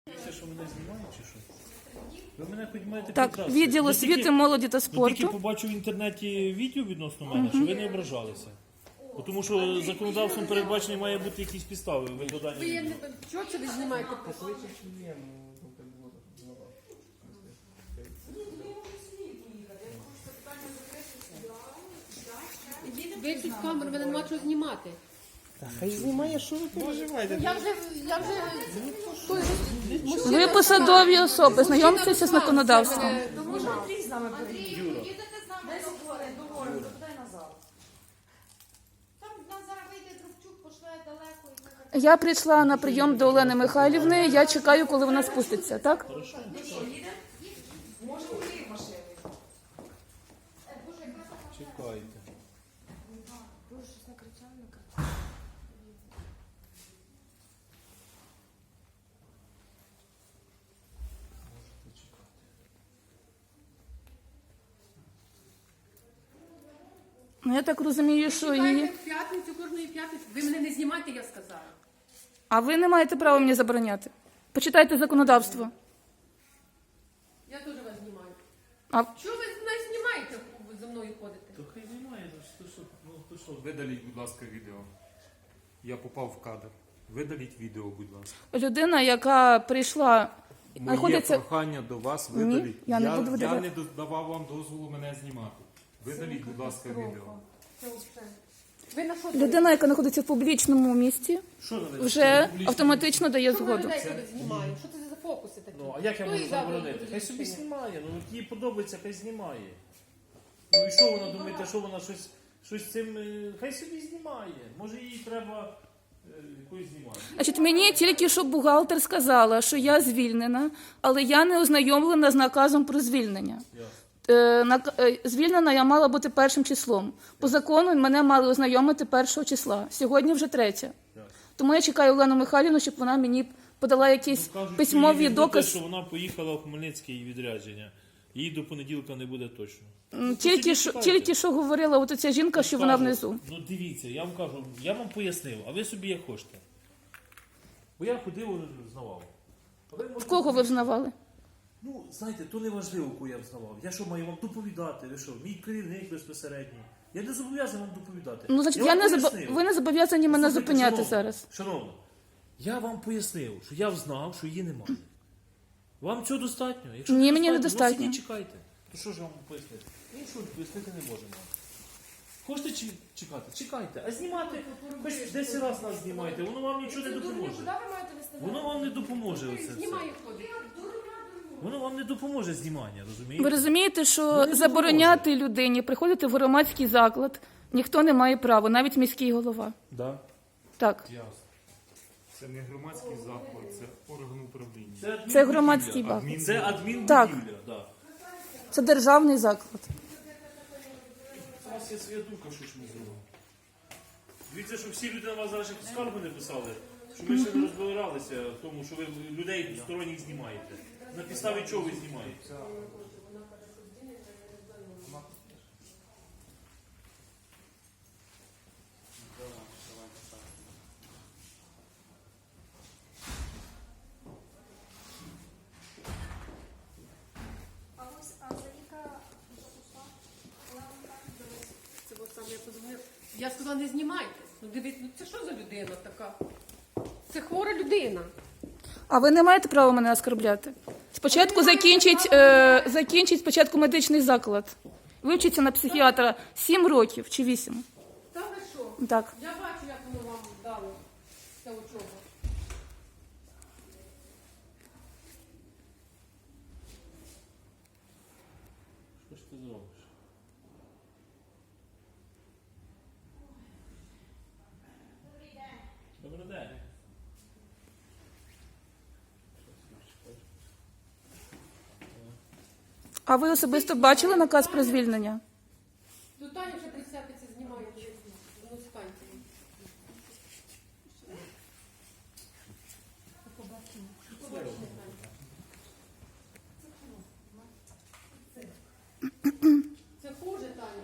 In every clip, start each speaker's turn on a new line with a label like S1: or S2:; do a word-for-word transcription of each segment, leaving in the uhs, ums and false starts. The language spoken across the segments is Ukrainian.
S1: Це що, мене знімають чи що? Ви мене хоч маєте
S2: Так,
S1: прекрасно.
S2: відділ
S1: Я
S2: освіти,
S1: тільки-
S2: молоді та
S1: Я тільки
S2: спорту.
S1: побачив в інтернеті відео відносно мене, що ви не ображалися. Бо Тому що законодавством передбачені має бути якісь підстави викладання.
S3: Ви є
S1: відео.
S3: не чого це ви знімаєте? Ви тут камеру, ви не нема чого знімати.
S4: Хай знімає, що ви переживаєте?
S3: Я вже, я вже, той же-
S2: Ви посадові особи, знайомтеся з законодавством.
S3: мене
S5: Може,
S3: знімав.
S5: Андрій з нами поїде?
S1: Юра.
S5: Їдете з нами договоримо, договоримо, дай назад. Там в нас зараз вийде Дробчук, пошле далеко і ми так.
S2: Я прийшла на прийом до Олени Михайлівни, я чекаю, коли вона спуститься, так?
S5: Ну що, їде? Може, у її машини.
S1: Чекайте.
S5: Боже, щось накричав, накричав.
S2: Ну, я так розумію, що
S3: Чекайте
S2: її...
S3: в п'ятницю, кожної п'ятниці. Ви мене не знімайте, я сказала.
S2: А ви не маєте права мені забороняти. Почитайте законодавство.
S3: Я теж вас знімаю.
S2: А
S3: Чого ви не знімаєте, ви за мною ходите?
S1: То хай знімає, ну що, ну то що. Видаліть, будь ласка, відео. Я попав в кадр. Видаліть відео, будь ласка.
S2: людина, яка прийшла,
S1: Моє
S2: знаходиться...
S1: прохання до вас
S2: Ні,
S1: видаліть.
S2: я не буду
S1: я
S2: видаляти.
S1: не давав вам дозволу мене знімати. Видаліть, будь ласка, відео.
S3: Це все. Ви на що?
S2: Людина, яка знаходиться в публічному місці,
S1: Що ви
S2: вже автоматично дає
S3: Що ви
S2: згоду.
S3: людей туди знімаю? Що це за фокуси такі?
S1: Ну, а як я
S3: Хто
S1: можу
S3: їй дав
S1: заборонити?
S3: дозвіл
S1: Хай собі
S3: знімати?
S1: знімає, ну от їй подобається, хай знімає. Ну і що вона думаєте, що вона щось, щось цим. е, Хай собі знімає. Може їй треба е, якоюсь знімати.
S2: Значить, мені тільки що бухгалтер сказала, що я звільнена, але я не ознайомлена з наказом про звільнення.
S1: Ясно.
S2: Е, нак- е, Звільнена я мала бути першим числом. По закону мене мали ознайомити першого числа. Сьогодні вже третє.
S1: Ясно.
S2: Тому я чекаю Олену Михайлівну, щоб вона мені подала якісь
S1: Ну, кажуть,
S2: письмові
S1: що їй не буде,
S2: докази.
S1: що вона поїхала в Хмельницький відрядження. Їй до понеділка не буде точно.
S2: М,
S1: то
S2: Тільки
S1: собі
S2: що,
S1: чекайте.
S2: тільки що говорила от ця жінка, що вона
S1: Кажу,
S2: внизу.
S1: Ну дивіться, я вам кажу, я вам пояснив, а ви собі як хочете. Бо я ходив, знавав. А ви
S2: В
S1: можете-
S2: кого ви взнавали?
S1: Ну, знаєте, то не важливо, кого я взнавав. Я що маю вам доповідати? Ви що, мій керівник безпосередній. Я не зобов'язаний вам доповідати.
S2: Ну, значить, я
S1: вам
S2: не забо...
S1: пояснив.
S2: ви не зобов'язані мене
S1: Слухайте,
S2: зупиняти
S1: шановна,
S2: зараз.
S1: Шановно, я вам пояснив, що я знав, що її немає. Вам цього достатньо? Якщо
S2: Ні, мені
S1: ну,
S2: недостатньо.
S1: сидіть, чекайте. То що ж вам пояснити? Іншого пояснити не можемо. Хочете чи- чекати? Чекайте. А знімати, хоч десять разів нас знімайте, воно вам нічого не допоможе.
S5: Куди ви маєте вести?
S1: Воно вам не допоможе оце все.
S3: Знімаю ходить.
S1: Воно вам не допоможе знімання,
S2: Ви
S1: розумієте?
S2: розумієте,
S1: Ну,
S2: що
S1: не
S2: забороняти людині приходити в громадський заклад ніхто не має права, навіть міський голова.
S1: Да.
S2: Так.
S1: Ясно.
S6: Це не громадський заклад, це орган управління.
S1: Це, адмінбудівля.
S2: Це громадський заклад.
S1: Адмін- Це адмінбудівля,
S2: Так.
S1: да.
S2: Це державний заклад.
S1: У вас є своя думка, що ж ми зробимо. Дивіться, що всі люди на вас зараз ще скаргу не писали, що ви ще не розбиралися в тому, що ви людей сторонніх знімаєте. На підставі чого ви знімаєте?
S5: А ось, а Заїка записала?
S3: Це от саме я позвонила. Я сказала, не знімайте. Ну дивіться, ну це що за людина така? Це хвора людина.
S2: А ви не маєте права мене оскорбляти. Спочатку закінчить, е, закінчить спочатку медичний заклад. Вивчиться на психіатра сім років чи вісім.
S3: Та ви що?
S2: Так.
S3: Я бачу, як воно вам дало це учоба.
S1: Що ж ти зробиш? Добрий день.
S2: А ви особисто бачили наказ про звільнення?
S3: Ну Таня вже присяпиться, знімає. Ну станьте. Це хуже, Таня.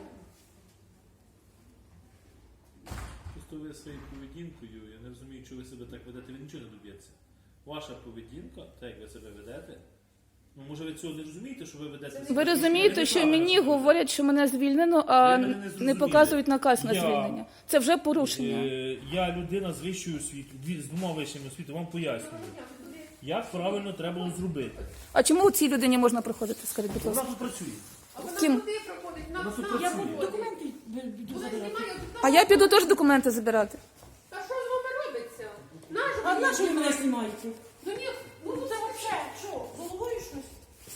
S1: Просто ви своєю поведінкою, я не розумію, чого ви себе так ведете, ви нічого не доб'єтеся. ваша поведінка, так як ви себе ведете, ну може ви цього не розумієте, що ви ведете?
S2: Ви розумієте, що мені говорять, що мене звільнено, а
S1: Ви мене не
S2: не
S1: зрозуміли.
S2: показують наказ на
S1: Я-
S2: звільнення. Це вже порушення.
S1: Е, Я людина з вищою освітою, дві- з двома вищими освітою, вам пояснюю. Як правильно треба було зробити.
S2: А чому цій людині можна проходити, скажіть, будь
S1: Вона
S2: ласка?
S1: тут працює.
S3: А вона
S2: Ким?
S3: куди проходить? На
S1: Вона тут
S3: сам
S1: працює.
S3: проходить. Вона знімає тут
S2: А я піду теж документи забирати.
S3: Та що з вами робиться? Наш
S7: А на що ви мене знімаєте?
S3: Ну ні, ну це взагалі, що, головою щось?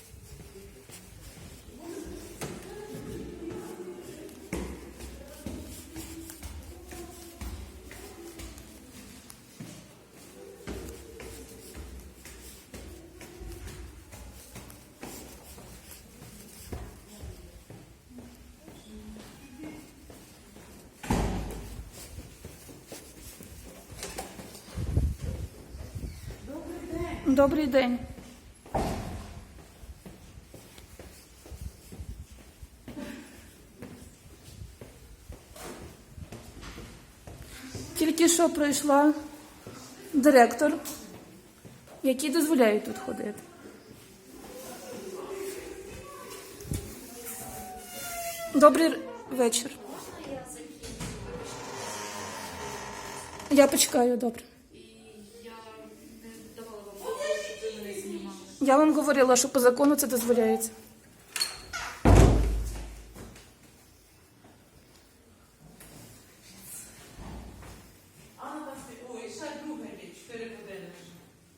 S2: Добрий день. Тільки що прийшла директор, який дозволяє тут ходити. Добрий р- вечір. Я почекаю, добре. Я вам говорила, що по закону це дозволяється.
S7: Ой, ще друга річ, чотири години вже.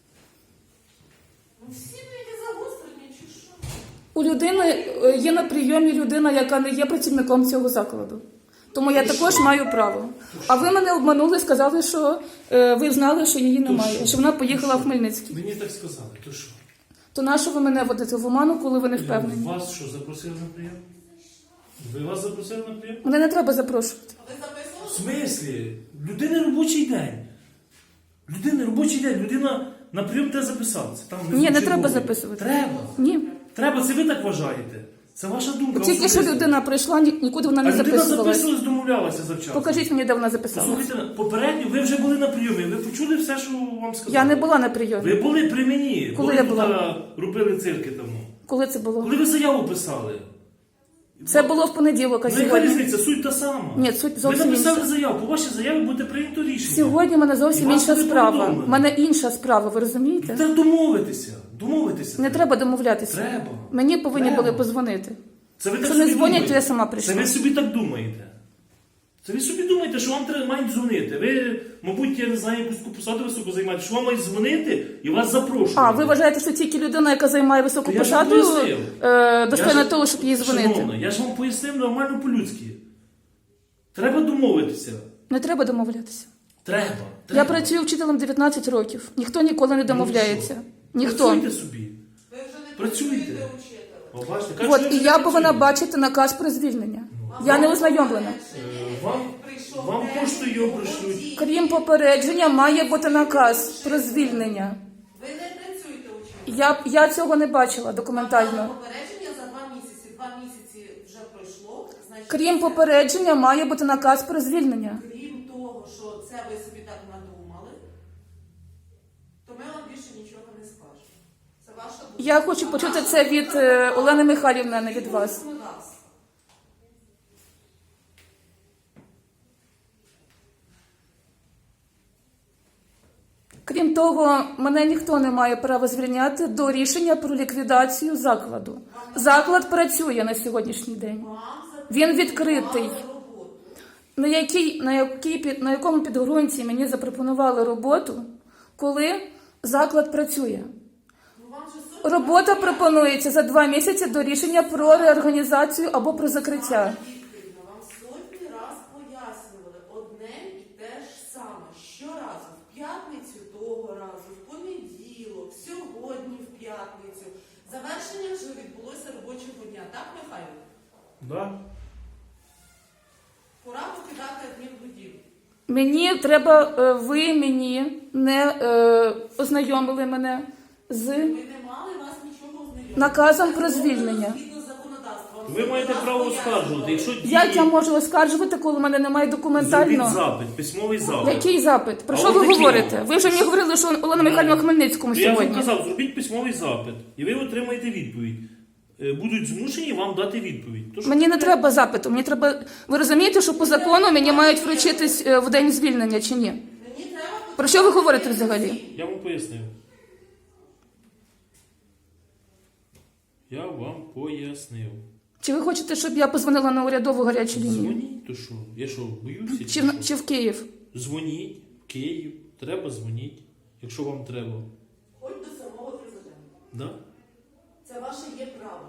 S7: Ну всі ви які загострені, чи що?
S2: У людини е, є на прийомі людина, яка не є працівником цього закладу. Тому я також маю право. А ви мене обманули, сказали, що е, ви знали, що її немає,
S1: що?
S2: що вона поїхала в Хмельницький.
S1: Мені так сказали, то що?
S2: То нащо ви мене водите в оману, коли ви не впевнені?
S1: Вас що, запросили на прийом? Ви вас запросили на прийом?
S2: Мене не треба запрошувати.
S7: А ви записували?
S1: В смислі? Людини робочий день. Людини робочий день. Людина на прийом те записалася. Там
S2: Ні, не
S1: черговий.
S2: треба записувати.
S1: Треба.
S2: Ні.
S1: Треба, це ви так вважаєте. Це ваша думка.
S2: Тільки що
S1: особиста.
S2: людина прийшла, ні- нікуди вона
S1: А
S2: не
S1: людина
S2: записувалась.
S1: записувалась, домовлялася завчасно.
S2: Покажіть мені, де вона записалась.
S1: Слухайте, попередньо ви вже були на прийомі, ви почули все, що вам сказали?
S2: Я не була на прийомі.
S1: Ви були при мені,
S2: Коли я
S1: тут,
S2: була?
S1: а, робили цирки тому.
S2: Коли це було?
S1: Коли ви заяву писали?
S2: Це було в понеділок, а
S1: Ну яка
S2: сьогодні?
S1: різниця, суть та сама.
S2: Ні, суть
S1: Ви
S2: зовсім
S1: написали
S2: інша.
S1: заяву, по вашій заяві буде прийнято рішення.
S2: Сьогодні в мене зовсім
S1: І вас
S2: інша
S1: буде
S2: справа.
S1: повідомлено.
S2: У мене інша справа, ви розумієте?
S1: Та домовитися, домовитися.
S2: Не треба домовлятися.
S1: Треба.
S2: Мені повинні
S1: Треба.
S2: були позвонити.
S1: Це ви так
S2: Якщо не
S1: собі
S2: дзвонять,
S1: думаєте.
S2: то я сама прийшла.
S1: Це ви собі так думаєте. Це ви собі думаєте, що вам треба мають дзвонити. Ви, мабуть, я не знаю, якусь посаду високу займаєте, що вам мають дзвонити і вас запрошують.
S2: А, ви вважаєте, що тільки людина, яка займає високу
S1: То я ж
S2: посаду,
S1: вам пояснив.
S2: е, достойна
S1: Я ж-
S2: того, щоб їй дзвонити?
S1: Шановна, я ж вам пояснив нормально по-людськи. Треба домовитися.
S2: Не треба домовлятися.
S1: Треба.
S2: Я
S1: треба.
S2: працюю вчителем дев'ятнадцять років. Ніхто ніколи не домовляється. Ніхто.
S1: Працюйте собі.
S7: Ви вже не
S1: Працюйте.
S7: працюєте учителем.
S1: О, бачите, кажуть,
S2: От,
S1: що
S2: і
S1: ви
S2: я
S1: не
S2: повинна
S1: працюєте.
S2: бачити наказ про звільнення. Я не ознайомлена.
S1: Е, Вам, вам поштою пришлють.
S2: Крім попередження, має бути наказ про звільнення.
S7: Ви не працюєте учителем.
S2: Я, я цього не бачила
S7: Вам
S2: документально.
S7: дали попередження за два місяці. Два місяці вже пройшло. Значить,
S2: Крім попередження, має бути наказ про звільнення.
S7: крім того, що це ви собі так надумали, то ми вам більше нічого не скажемо. Це ваша думка.
S2: Я хочу почути це від е, Олени Михайлівни, а не від вас.
S7: Законодавство.
S2: Крім того, мене ніхто не має права звільняти до рішення про ліквідацію закладу. Заклад працює на сьогоднішній день.
S7: Вам
S2: Він відкритий.
S7: запропонували роботу.
S2: На, якій, на, якій, під- на якому підґрунті мені запропонували роботу, коли заклад працює.
S7: Ну, вам же сотні
S2: Робота пропонується за два місяці до рішення про реорганізацію або про закриття.
S7: Вікторівна, вам сотні раз пояснювали одне і те ж саме. Щоразу, в п'ятницю того разу, в понеділок, сьогодні в п'ятницю. Завершення вже відбулося робочого дня. Так, Михайло?
S1: Да?
S7: Пора покидати адмінбудівлю.
S2: Мені треба, е, ви мені не е, ознайомили мене з
S7: Ми не мали вас нічого знайомити.
S2: наказом про звільнення.
S7: Згідно законодавства,
S1: Ви маєте право оскаржувати. Якщо дії...
S2: Як я можу оскаржувати, коли в мене немає
S1: Зробіть
S2: документально?
S1: запит, письмовий запит.
S2: Який запит? Про
S1: А
S2: що
S1: от
S2: ви
S1: такий.
S2: говорите? Ви вже мені говорили, що Олена Михайлівна в Хмельницькому
S1: То я вам
S2: сьогодні.
S1: казав, зробіть письмовий запит, і ви отримаєте відповідь. Е, Будуть змушені вам дати відповідь. То, що
S2: Мені не
S1: ви-
S2: треба запиту. Мені треба. Ви розумієте, що по закону мені мають вручитись е, в день звільнення чи ні?
S7: Мені треба
S2: Про що ви говорите взагалі?
S1: Я вам пояснив. Я вам пояснив.
S2: Чи ви хочете, щоб я позвонила на урядову гарячу лінію?
S1: Дзвоніть, то що? Я що, боюся?
S2: Чи,
S1: Чи
S2: в-
S1: що?
S2: чи в Київ?
S1: Дзвоніть в Київ. Треба дзвоніть, якщо вам треба.
S7: хоч до самого президента.
S1: Да?
S7: Це ваше є право.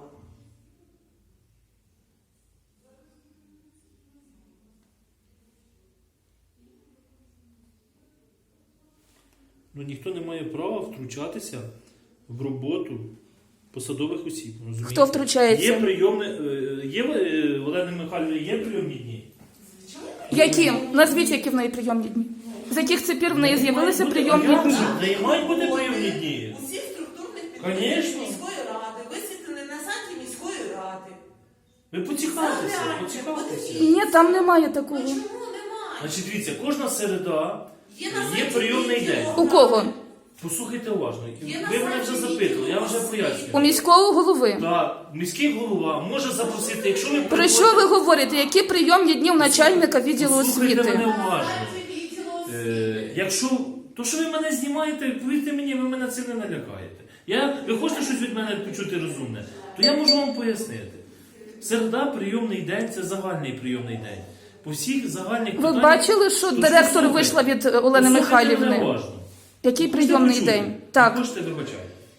S1: Ну ніхто не має права втручатися в роботу посадових осіб. Розумієте?
S2: Хто втручається?
S1: Є прийомне, е, є е, Олена Михайлівна, є прийомні дні.
S2: Які? Назвіть, які в неї прийомні дні. З яких це пір в неї з'явилися прийомні
S1: дні?
S2: дні?
S1: В неї мають бути прийомні дні.
S7: Усіх структурних
S1: Конечно.
S7: підприємств міської ради висвітлені на сайті міської ради.
S1: Ви поцікавтеся,
S7: Загляньте,
S1: поцікавтеся.
S7: подивіться.
S2: Ні, там немає такого.
S7: Ну чому немає?
S1: Значить, дивіться, кожна середа
S7: Є на
S1: є
S7: сайті
S1: прийомний
S7: відділу.
S1: день.
S2: У кого?
S1: Послухайте уважно.
S7: Є на
S1: Ви мене вже
S7: сайті
S1: запитували, я вам вже
S7: відділу
S2: У
S1: пояснюю.
S2: міського голови.
S1: Так, міський голова може запросити, якщо ви
S2: Про що ви говорите? Які прийомні дні в начальника відділу
S1: Послухайте мене
S2: освіти?
S1: уважно.
S7: Сайті відділу освіти.
S1: Е, якщо то, що ви мене знімаєте, повірте мені, ви мене цим не налякаєте. Я, ви хочете щось від мене почути розумне, то я можу вам пояснити. Середа, прийомний день це загальний прийомний день. По всіх загальних
S2: Ви
S1: питаннях-
S2: бачили, що
S1: То
S2: директор
S1: слухайте,
S2: вийшла від е, Олени
S1: послухайте мене
S2: Михайлівни?
S1: уважно.
S2: Який
S1: Хочете
S2: прийомний
S1: почути?
S2: день?
S1: Не
S2: Так.
S1: хочете, вибачайте.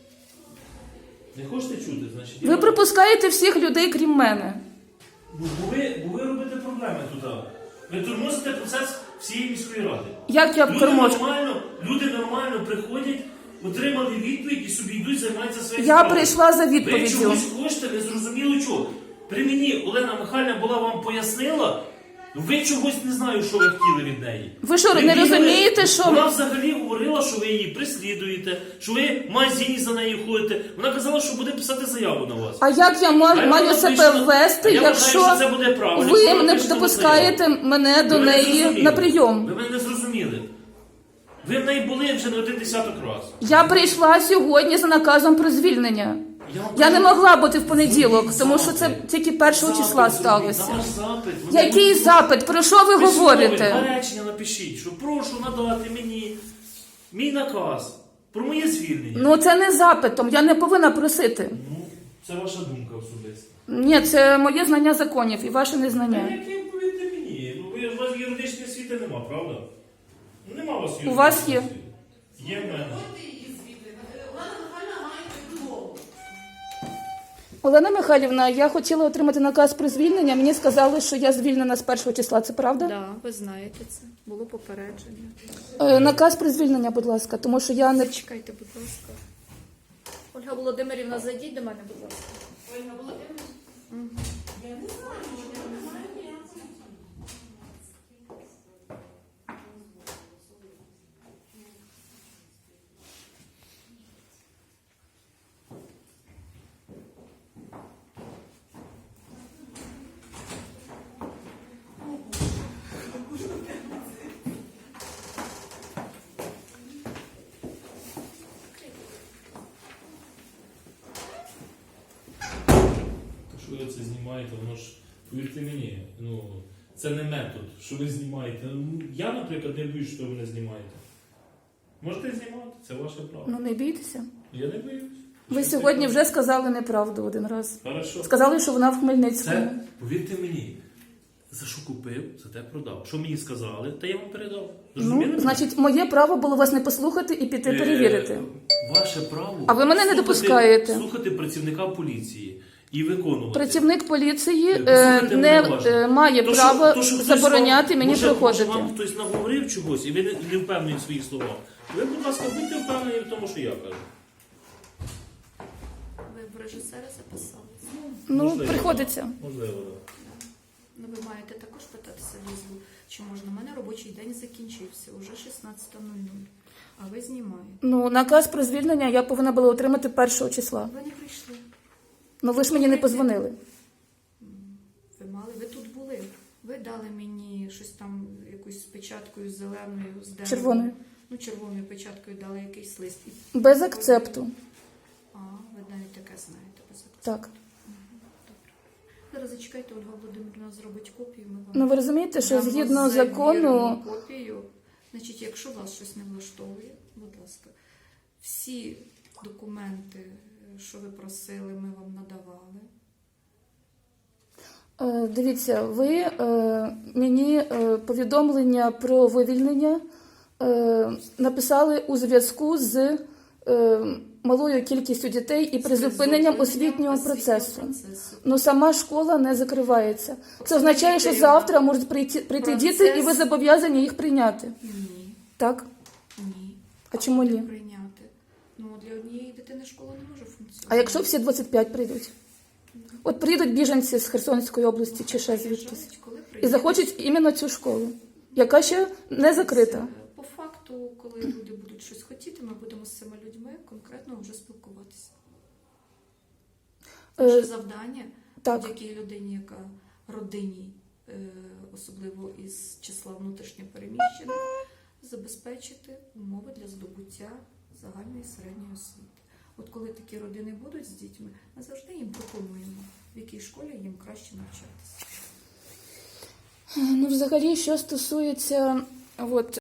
S1: Не хочете чути, значить. я
S2: Ви
S1: вам-
S2: пропускаєте всіх людей, крім мене.
S1: Ну, бо ви, бо ви робите проблеми тут. Ви тормозите процес всієї міської ради.
S2: Як я
S1: Люди
S2: торможу?
S1: нормально, люди нормально приходять, отримали відповідь і собі йдуть займатися своїм
S2: Я прийшла за
S1: Ви
S2: відповіддю.
S1: чогось хочете, не зрозуміло чого. При мені Олена Михайлівна була вам пояснила, ви чогось не знаю, що ви хотіли від неї.
S2: Ви що, не
S1: бігали-
S2: розумієте, що-
S1: Вона взагалі говорила, що ви її прислідуєте, що ви в магазині за нею ходите. Вона казала, що буде писати заяву на вас.
S2: А як я ма-
S1: А я
S2: маю
S1: вона
S2: себе
S1: пише-
S2: ввести,
S1: а я вважаю,
S2: якщо
S1: що це буде правильно.
S2: ви
S1: Якщо вона
S2: не
S1: пише на
S2: допускаєте мене до
S1: Ви мене
S2: неї
S1: зрозуміли.
S2: на прийом?
S1: Ви мене не зрозуміли. Ви в неї були вже не один десяток разів.
S2: Я прийшла сьогодні за наказом про звільнення.
S1: Я, вам
S2: Я не
S1: кажу,
S2: могла бути в понеділок,
S1: зробіть
S2: тому що це
S1: запит.
S2: тільки першого
S1: Запит
S2: числа
S1: зробіть,
S2: сталося.
S1: на ваш запит. Вона
S2: Який
S1: буде-
S2: запит? Про що ви
S1: Письмове,
S2: говорите?
S1: два речення напишіть, що прошу надати мені мій наказ про моє звільнення.
S2: Ну це не запитом, я не повинна просити.
S1: Ну, це ваша думка особиста.
S2: Ні, це моє знання законів і ваше
S1: Та
S2: незнання.
S1: яке, повірте мені, ну ви, у вас юридичної освіти нема, правда? Ну, нема у вас юридичної
S2: У вас є.
S1: освіти. Є в мене.
S7: Виходьте її звідти. Олена Михайлівна має йти додому.
S2: Олена Михайлівна, я хотіла отримати наказ про звільнення. Мені сказали, що я звільнена з першого числа. Це правда?
S8: Да, ви знаєте це. Було попередження.
S2: Е, наказ про звільнення, будь ласка, тому що я не
S8: Чекайте, будь ласка. Ольга Володимирівна, зайдіть до мене, будь ласка.
S7: Ольга Володимирівна? Я не знаю, що немає ніякого.
S1: Що ви це знімаєте, воно ж, повірте мені, ну, це не метод, що ви знімаєте. Ну, я, наприклад, не боюсь, що ви мене знімаєте. Можете знімати, це ваше право.
S2: ну не бійтеся.
S1: Я не боюсь.
S2: Ви
S1: Що
S2: сьогодні
S1: це?
S2: вже сказали неправду один раз.
S1: Хорошо.
S2: Сказали, що вона в Хмельницькому.
S1: Це, повірте мені, за що купив, за те продав. Що мені сказали, та я вам передав. Зрозуміли?
S2: Ну, значить, моє право було вас не послухати і піти
S1: Е,
S2: перевірити.
S1: Ваше право.
S2: А ви мене не
S1: слухати-
S2: допускаєте.
S1: Слухати працівника поліції і виконувати.
S2: Працівник поліції
S1: Е,
S2: е,
S1: послухайте
S2: не
S1: мене уважно.
S2: е, має
S1: То, що-
S2: права
S1: то, що хтось
S2: забороняти
S1: вам-
S2: мені
S1: може,
S2: проходити.
S1: Може, вам хтось наговорив чогось, і ви не, не впевнені в своїх словах. Ви, будь ласка, будьте впевнені в тому, що я кажу.
S8: Ви в режисера записалися.
S2: Ну,
S1: Можливо.
S2: приходиться.
S1: Можливо, так.
S8: Ну, ви маєте також питатися візу, чи можна. У мене робочий день закінчився, уже шістнадцята нуль нуль. А ви знімаєте.
S2: Ну, наказ про звільнення я повинна була отримати першого числа.
S8: Ви не прийшли.
S2: Ну ви ж мені не позвонили.
S8: дали мені щось там, якусь з печаткою зеленою, з дерева.
S2: Червоною.
S8: Ну, червоною печаткою дали якийсь лист. І-
S2: Без акцепту.
S8: А, ви навіть таке знаєте, без акцепту.
S2: Так.
S8: Зараз зачекайте, Ольга Володимирівна зробить копію. Ми вам
S2: Ну ви розумієте, що
S8: дамо
S2: згідно
S8: завірену
S2: закону,
S8: копію. Значить, якщо вас щось не влаштовує, будь ласка, всі документи, що ви просили, ми вам надавали.
S2: е, дивіться, ви е, мені е, повідомлення про вивільнення е, написали у зв'язку з е, малою кількістю дітей і призупиненням освітнього процесу. Ну сама школа не закривається. Це означає, що завтра можуть прийти, прийти діти, і ви зобов'язані їх прийняти.
S8: Ні,
S2: Так?
S8: ні.
S2: А чому ні?
S8: Прийняти. Ну, для однієї дитини школа не може функціонувати.
S2: А якщо всі двадцять п'ять прийдуть? От приїдуть біженці з Херсонської області чи ще звідтись.
S8: Приїжджають, коли
S2: І
S8: приїдуть.
S2: захочуть іменно цю школу, яка ще не закрита.
S8: По факту, коли люди будуть щось хотіти, ми будемо з цими людьми конкретно вже спілкуватися.
S2: Е,
S8: Наше завдання
S2: так.
S8: будь-якій людині, яка родині, е, особливо із числа внутрішньопереміщених, забезпечити умови для здобуття загальної середньої освіти. От коли такі родини будуть з дітьми, ми завжди їм пропонуємо, в якій школі їм краще навчатися.
S2: Ну, взагалі, що стосується от,